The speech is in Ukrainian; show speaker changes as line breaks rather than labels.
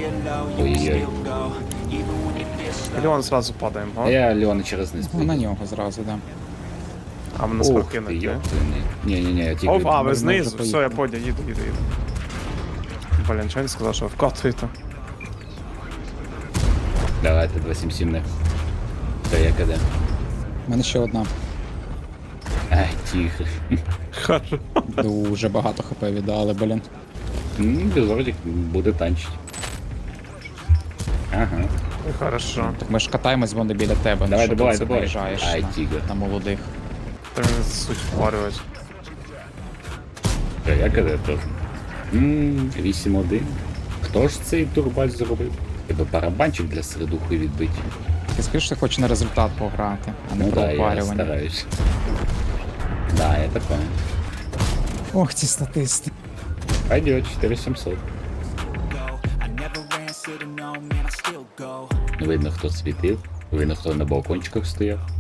Ой-ой-ой.
Леон сразу падаем,
А
а?
я Леона через низ
Ну, на
прийду.
нього зразу, да.
А ми нас
Ух ти,
покинуть.
йоптиний. Ні-ні-ні, я тільки...
Оп, а, ви
Ми
знизу,
вже
все, я
поїхали.
понял, їду. Блін, чого він сказав, що вкатуєте?
Давайте 277 не. Та я киде.
У мене ще одна.
Ай, тихо.
Хорошо.
Дуже багато хп віддали, блін.
Безордик буде танчити. Ага.
Хорошо.
Так ми ж катаємось, вони біля тебе.
Давай,
що
добивай,
ти це
добивай.
наїжджаєш
Ай, тігр.
на молодих.
Та він суть впарювати.
Та я киде теж. 8-1. Хто ж цей турбач зробив? Тебе барабанчик для середухи відбити.
Ти скажеш, що хочеш на результат пограти, а не
Ну
про
да, я
опарювання.
стараюсь. Да, я такое.
Ох, ці статисти.
Пойдет, 4700. Ну, видно, хто світив. Видно, хто на балкончиках стояв.